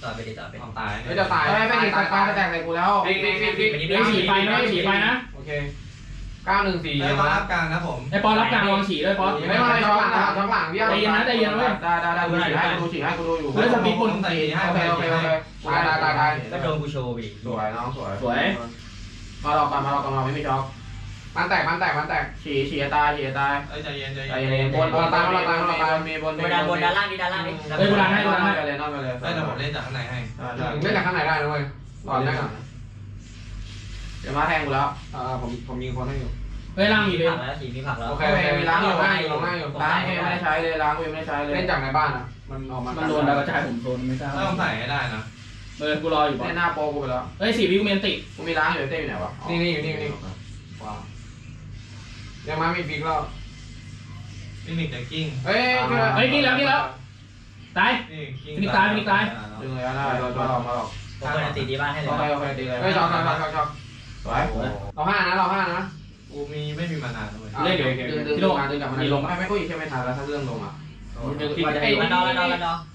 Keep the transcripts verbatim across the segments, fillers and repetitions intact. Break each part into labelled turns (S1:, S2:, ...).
S1: ต่อไปดิต่อไป
S2: ตาย
S3: ไม่จะตายไม่ไม่ตายตายจะแตกใส่กูแล้ว
S4: ฟิกฟิกฟิกฟิก
S1: เฮ้ยฉีไฟนะฉีไฟนะ
S3: โอเคเก้าหนึ่งสี่
S2: ไอ้ปอรับกลางนะผม
S4: ไอ้ปอนรับกลางลองฉีด้วยปอน
S3: ไม่ไม่ช็อตหลังช็อตหลังพี่ได้ได้ได้กูฉีให้กูฉีให้กูดูอยู่
S2: เฮ้ยสปีดปุ่นใส่ให้
S3: โอเคโอเคโอเคตายตายตายตาย
S1: ก็โดนกูโชว์อีก
S3: สวยน้องสวย
S4: สวย
S3: มาหลอกกันมาหลอกกันมาไม่มีช็อตมันแตกมันแตกมันแตกฉีฉีตายฉีตาย
S2: เอ้ยใจเย็นใจ
S3: ใจ
S2: เย็น
S3: เย็นบนบนตายบนตายบนตายมีบน
S1: บนด้านบนด้านล่างดิด้านล่างดิ
S4: เฮ้ยกูรันให้กูรันให้
S3: ไปเลยนอนไปเลย
S2: ได้แต่ผมเล่นจากข้างในให้
S3: เล่นจากข้างในได้นะเว้ยต่อได้ก่อนเดี๋ยวมาแทงกูแล้วอ่าผมผมยิงคนให้อยู่
S4: เฮ้ยล่างมี
S1: มี
S4: เลย
S1: ผักแล้วฉีมีผักแล้ว
S3: โอเคโอเคมีล้างอยู่ล้างอยู่ล้างอยู่ล้างไม่ได้ใช้เลยล้างไม่ได้ใช้เลยเล่นจากในบ้านอ่ะมันออกมา
S4: มันโดนดาวกระจายผมโดนไม่กล้า
S2: ต้องใส่ให้ได้นะ
S4: เออกูรออยู่ปอน
S3: เล่นหน้าโปกูไปแล้ว
S4: เฮ้ยสี่วิกูเมนติ
S3: กูมีล้างอยู่เต้อยู่ไหนวะนี่นี่อยู่นี่อยู่นี่ว้าวยังมามีฟิกแล้ว
S2: ฟินิกจะกิ้ง
S3: เฮ้ย
S4: เฮ้ยนี่แล้วนี่แล้วตาย
S3: ดึงเลยนะเรามาหลอกมาหลอก
S1: ผมเปิดตีดีบ้านให้เล
S3: โอย เคโอเคดีเลยเฮ้ยช็อตช็อตช็อตช็อตสวยเราห้านะเราห้านะ
S2: กูมีไม่มีมานานเลย
S3: เล่นดึงดึงดึงมาดึงกลับมาลงไม่ไม่กูอีกแค่ไม่ทันแล้วถ้าเรื่องลงอ่ะ
S1: ดึงไอ้มันนอนมันนอนมันนอน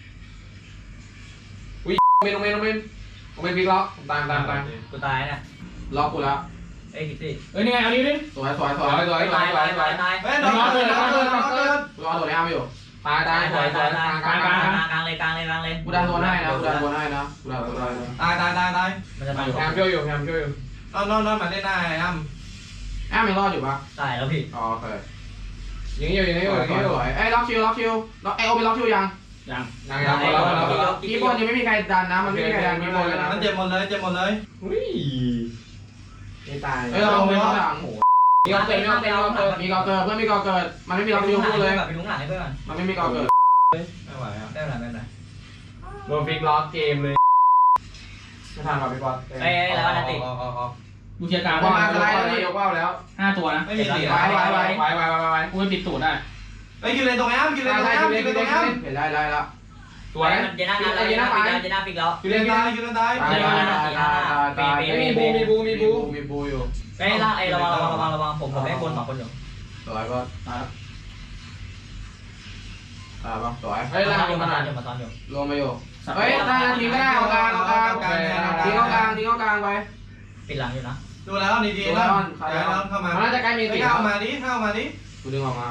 S3: เมนเมนเมนเมนฟิกล็อกตามตามตาม
S1: กูตายเนี่ย
S3: ล็อกกูแล้ว
S1: เอ้ยคิดสิ
S4: เฮ้ยนี่ไงเอานี้ดิ
S3: สวยสวยสวยสวยสวย
S1: ตาย
S3: สว
S1: ตาย ย
S3: สว
S1: ตาย ยตาย
S2: เฮ้ยน้องเกินน้องเกินน้องเกิน
S3: กูรอตัวนี้ไม่อยู่ตายตายส
S1: ตา
S3: วย ยส
S1: ตา
S3: วย ย
S1: ตาย
S3: กลางก
S1: ก
S3: ลา
S1: ลาง ง
S3: ก
S1: ก
S3: ลา
S1: ลาง งกลางเลยกลางเลยกลางเลย
S3: กูดันตัวให้นะกูดันตัวให้นะกูดันตัวให้
S2: ตายตายตายตาย
S1: มันจะตาย
S3: แอมช่วยอยู่แอมช่วยอยู่
S2: นอนนอนนอนมาเล่นได้อ้ำ
S3: แอมยังรอดอยู่ปะ
S1: ตายแล้วพี่
S3: อ๋อโอเคยิงอยู่ยิงอยู่ยิงอยู่เอ้ยล็อกชิวล็อกชิวล็อกไอโอเป็นล็อกชิวยัง
S4: ยัง
S3: ยังยังกีบอลยังไม่มีใครดันนะมันไม่มีใครดันกีบอลเลยนะ
S2: มันเจ็บหมดเลยเจ็บหมดเลยอุ้ย
S3: ไม่ตายเอ้ยเราไม่ต้องหลังมีกอเกิดมีกอเกิดมีกอเกิดเพื่อนมีกอเกิดมันไม่มีล็อกชิวพูดเลย
S1: แบบไปลุ้งหลังให้เพื่อน
S3: มันไม่มีกอเกิด
S2: ไม่ไหวอ่ะ
S1: ได้เวลาได้เวลา
S3: โดนฟิกล็อกเกมเลยไม่ทันว่ะพี่บอล
S1: เอ้ยแล้วอันติ
S2: ออกออกออก
S4: กูเชียร์กลาง
S3: ว่ามาสไลด์แล้วนี่ยกว่าวแล้ว
S4: ห้าตัวนะ
S2: ไม่มีสี
S3: ไว้ไว้ไว้ไว้ไว้ไว้ไว้
S4: กูไปปิดตูดได้
S2: ไอ้กินเลยตรงแอมกินเลยตรงแอมกินเลยตรงแอม
S3: เห็นได้ได้แล้วส
S1: ส
S3: ว
S1: วย ยเจน่างานแล้วเจน่าฟิกแล้วเจน่าฟิกแล้ว
S2: กินเลยตายกินเลยตาย
S3: ตายตายตายตายมีบูมีบูมีบูมีบูอยู่
S1: ไอ้ล่างไอ้ระวังระวังระวังระวังผมผมได้คนสองคนอยู่
S3: สวยก็ตายอ่าบ้างสวย
S1: เฮ้
S3: เฮ้
S1: ย
S3: ย
S1: ล่า
S3: ล่าง ง
S1: อยู่
S3: มา
S1: มา
S3: หน่
S1: ตา
S3: อย
S1: นอยู่มาตอนอยู่
S3: ลงมาอยู่เฮ้ยได้ทีก็ได้เอากลางเอากลางทิ้งเอากลางทิ้งเอากลางไป
S1: ปิดหลังอยู่นะ
S2: ดูแล้วดีดีแล้วแล้วเข้ามา
S3: มันน่าจะใกล้มีติ
S2: เข้ามาดิเข้ามาดิ
S3: กูดึงออกมา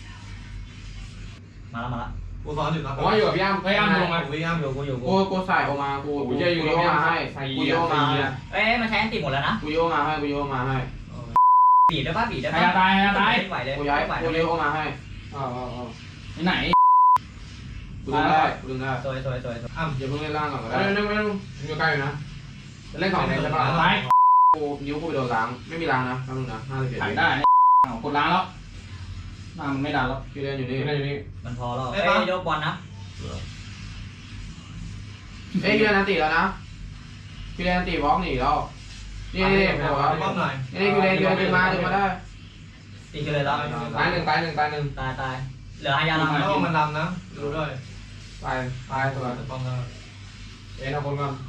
S1: มาแล้วมาแล้ว
S2: กูสอนอยู่นะ
S3: ผมว่าอยู่กับพี่อ้ำ
S4: เฮ้ยอ้ำลงมา
S2: กูอ้ำ
S1: อยู่กูอยู่กู
S3: กูกูใส่ออกมากูกูจะอยู่โยมาให้กูโยมาให้
S1: เอ้ยมันใช้อันติหมดแล้วนะ
S3: กูโยมาให้กูโยมาให้
S1: บีบได้ป่ะบีบได้
S4: ใคร
S1: ป่ะ
S4: จะตายใครจะตาย
S1: ไหวเลย
S3: กูย้าย
S1: ไหว
S3: กู
S1: เล
S3: โย
S1: ย
S3: มาให้อ๋ออ๋ออ๋อ
S4: ไหน
S3: กูดึงได้กูดึงได้
S1: สวยสวยสวย
S2: อ้ำ
S3: อย่าเพิ่งเล่นล่างก่อนก็ได้ไม่ไม่ไม่อยู่ใกล้อยู่นะจะเล่นสองเลนใช่ป่ะ
S4: ตาย
S3: กูนิ้วกูไปโดนล้างไม่มีล้างนะแป๊บนึงนะห้าสิบเจ็ด
S4: ถ่ายได้กดล้างแล้วน้ามันไม่ดันแล้ว
S3: พี่เล่นอยู่นี่เล่นอยู่นี่
S1: มันพอแล้วเอ้ยยกบอลนะ
S3: เอ้ยพี่เล่นนันตีแล้วนะพี่เล่นนันตีบล็อกหนีแล้วนี่นี่นี่
S2: ป้อมหน่อย
S3: นี่พี่เล่นพี่เล่นดึงมาดึงมาได้
S1: ตีกันเลยแล้ว
S3: ตายหนึ่งตายหนึ่งตายหนึ่ง
S1: ตายตายเหลือหายาลัง
S2: แล้วมันดำนะรู้ด้วย
S3: ตายตายตัว
S2: ป้อมแล้ว
S3: เอ็นเอาคนก่อน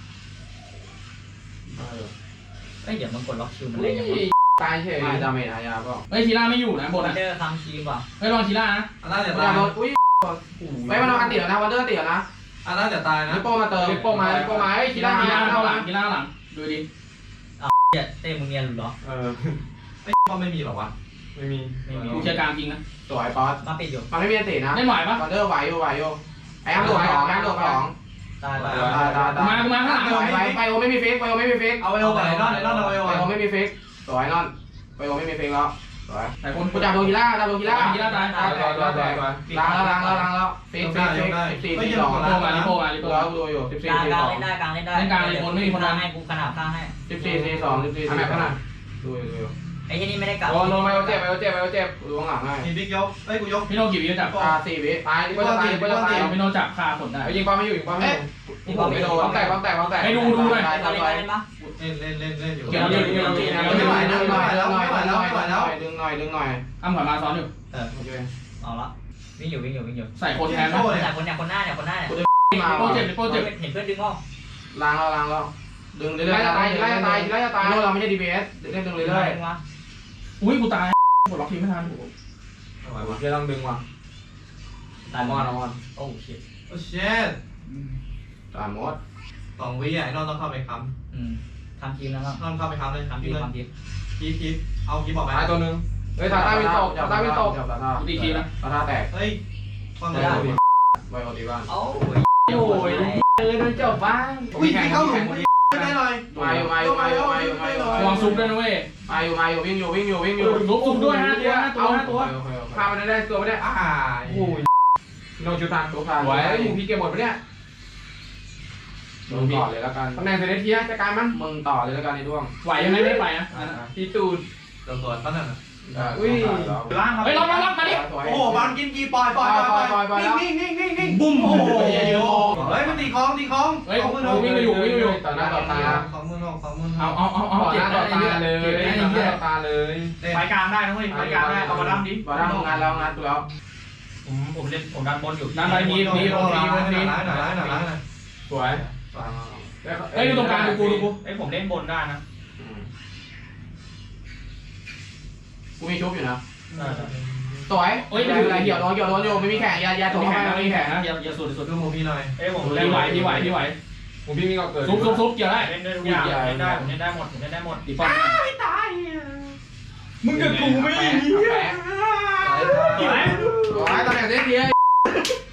S1: เอ้ยเดี๋ยวมันกดล็อกคิวมันเล่นยังไง
S3: ตายเฉยดาเมจหายาเปล่า
S4: เฮ้ยชีล่าไม่อยู่นะบน
S1: วัน
S4: อ่ะ
S1: เดอร์คำทีมว่ะ
S4: เฮ้ยลองชีล่านะ
S2: อันน่าจะ
S3: กู
S2: ตาย
S3: โดนอุ้ยไม่มันเอาอันติแล้วนะวันเดอร์ติแล้วนะ
S2: อันน่าจะตายนะ
S3: ลิปโป้มาเติมลิปโป้มาลิปโป้มาเฮ้ย
S4: ชี
S3: คี
S4: ล่า
S3: ร่า
S4: ชี
S3: มา
S4: ล่า
S3: เข้า
S4: เข้า
S3: ห
S4: ห
S3: ลั
S4: ลั
S3: ง
S4: งชีล่าหลังดูดิ
S1: เดี๋ยวเต้มึงเนียนหรือเหรอ
S3: เออ
S2: ไม่ป้อมไม่มีหรอวะ
S3: ไม่มี
S1: ไม่มี
S4: กูเชียร์กลางจริงนะ
S3: สวยป๊อต
S1: มาปิดอยู่
S3: มันไม่มีอันตินะ
S4: เล่นไหวปะ
S3: วันเดอร์ไหวอยู่ไหวอยู่ไอ้อ้ำโดดสองไอ้อ้ำโดดสอง
S1: ตายตาย
S3: ตายตายตาย
S4: มากูมาข้างหลัง
S3: ไปไปโอไม่มีฟิกไปโอไม่มีฟิก
S2: เอาไปเอาไปนอนไอ้นอนเอาไปเอา
S3: ไป
S2: ไป
S3: โอไม่มีฟิกสวยนอนไปโอไม่มีฟิกแล้วสวย
S4: แต่คน
S3: กูจับโดนกีฬาจับโดนกีฬา
S4: ชีล่าตาย
S3: ตายตายตายตายล้างแล้วล้างแล้วล้างแล้วฟิกฟิกฟิกสิบสี่สี่สอง
S4: ลิโปมาลิโปมาลิโป
S3: กูแล้วกูดูอยู่สิบ
S1: ก
S3: สี่
S1: ลาง
S3: สี่
S1: กลา
S3: ส
S1: ง
S3: อง
S1: เล่นได้กลางเล่นได้ให้กูขนาดข้างให้
S3: สิบสี่สี่สองสิบสี่สี่สองดูอยู่ดูอยู่
S1: ไอ้ที่นี่ไม่ได้กลับ
S3: โดนโดนไปโอเจ็บไปโอเจ็บไปโอเจ็บดูข้างหลังให้
S2: มีบิ๊กยกไอ้กูยก
S4: พี่โนกี่วิจับ
S3: อ่าสี่วิตายก็จะตายก็จะตาย
S4: พี่โนจับคาขนได้
S3: ไอ้ยิงป้อมไม่อยู่ยิงป้อมไม่อยู่ยิงป้อมไม่โดนป้อมแตกป้อมแตกป้อมแตก
S1: เล่นเล่นเล่นปะ
S2: เล่นเล่นเล่นเล่นอยู่
S3: เกี่ยวเกี่ยวเกี่ยวเกี่ยวไม่ไหวแล้วไม่ไหวแล้วไม่ไหวแล้วไม่ไหวแล้วดึงหน่อยดึงหน่อย
S4: อ้ำขวัญมาซ้อนอยู่
S1: เออ
S3: โอเค
S1: เอาละวิ่งอยู่วิ่งอยู่วิ่งอยู่
S4: ใส่คนแทนนะ
S1: แต่คนเนี่ยคนหน้าเนี่ยคนหน้าเนี่ย
S3: มา
S4: ลิโปเจ็บลิโปเจ็บ
S1: เห็นเพื่อนดึงออก
S3: ล้างแล้วล้างแล้วดึงเรื่อยๆจะตายจะตายจะตายจะตายเราไม่ใช่ดีพีเอสเล่นดึงเรื่อย
S1: มา
S4: อุ้ยกูตายกดล็อกทีไม่ทัน
S2: ไม่ไหววะ
S3: ๆจะต้องดึงว่ะ
S1: ตาย
S3: มอนมอน
S1: โอ้ชิต
S2: โอ้เช็ด
S3: ไปตามมด
S2: สองวิอ่ะไอ้นอนต้องเข้าไปค้
S1: อืมทำทีมแล้วก็
S2: ำนอนเข้าไปค้ำเลย
S1: ทำที
S2: เลย
S1: มทำทีม
S2: คีบคีบเอาคีบบอกไป
S3: ตายตัวนึงเฮ้ยตาตาวินตกตาตาวินตกตาตา
S4: กูตีคีนะ
S3: ตาตาแตก
S2: เฮ้ยฟังเลย
S3: ไวโอตีบ้าน
S1: เอ้า
S3: โอ้ยเออโดนจบบ้าน
S2: อุ้ยเข้าหลุมไม่ได้เลย
S3: มาอยู่มาอยู่มาอยู่มาอยู่มาอยู่
S4: ระวังซุปด้วยนะเว้ย
S3: มาอยู่มาอยู่วิ่งอยู่วิ่งอยู่วิ่งอยู่
S4: ซุปซุปด้วยห้าตัวห้าตัวห้าตัว
S3: พามันได้ตัวไม่ได้อ่า
S2: โอ้ย
S3: โนชูทางตัวทางไว้หมูพี่เก็บหมดปะเนี่ยมึงต่อเลยแล้วกันตำแหน่งเซเลเทียจัดการมันมึงต่อเลยแล้วกันในดวง
S4: ไหวยังไงไม่ไปนะ
S3: พี่ตูน
S2: ตัวตัวตั้งนั่นน่ะ
S3: อุ้ย
S2: ล่างครับ
S4: เฮ้ยล็อกล็อกล็อกมาดิ
S2: โอ้โหบอลกินกีปล่อยปล่อยปล่อยปล่อยนิ่งนิ่งนิ่งนิ่งบุ้มโอ้โหเฮ้ยมันตีคล้องตีคล้อง
S4: เฮ้ยวิ่งไปอยู่วิ่งไปอยู่
S3: ต่อหน้าต่อตา
S2: สองมือหกสองมือ
S4: เอาเอาเอาเอา
S3: ต่อห
S4: เจ็บ
S3: น้า
S4: ได้
S3: ต่อ
S4: เย
S3: ตา
S4: อะ
S3: เลย
S4: เจ็บได้
S3: ต่อห
S4: เย
S3: น้า
S4: อะ
S3: ต่อตาเลย
S5: ไฟกลางได้นะเว้ยไฟกลางได้เอามาดั้มดิ
S3: บอลทำงานแล้วงานตัวแล้ว
S5: ผมผมเล่นผมดันบนอยู่
S4: นั่นไปมีมี
S2: โอ้
S4: มี
S2: โห
S4: มี
S2: หน่อยหน่อยหน่อยหน่อยหน่อยหน่อย
S4: สวยเฮ้ยดูตรงกลางดูกูดูกู
S5: ไอ้ผมเล่นบนได้นะ
S3: กูมีชุบอยู่นะสวยเฮ้ยอะไรเหี่ยวโดนเหี่ยวโดนอยู่ไม่มีแข่งยายาตัว
S4: มี
S3: เข้า
S4: แข่ง
S3: ไป
S4: นะ
S3: ไม่
S4: มี
S3: มี
S4: แข่
S3: แข่
S4: ง
S3: ง
S4: นะ
S5: อย่าอย่าสุดสุด
S2: ดูโมพี่หน่อย
S5: ไอ้ผม
S4: พี่ไหวพี่ไหวพี่ไหว
S3: ผมพี่มีก็เกิด
S4: ซุปซุปซุปเกี่ยวได้
S5: เล่นได้ทุกอย่างเล่นได้ผมเล่นได้หมดผมเล่นได้หมด
S4: ตีป้อม
S3: มึงกับกูไม่มี
S5: สวย
S3: สวยตำแหน่งเซเลเทีย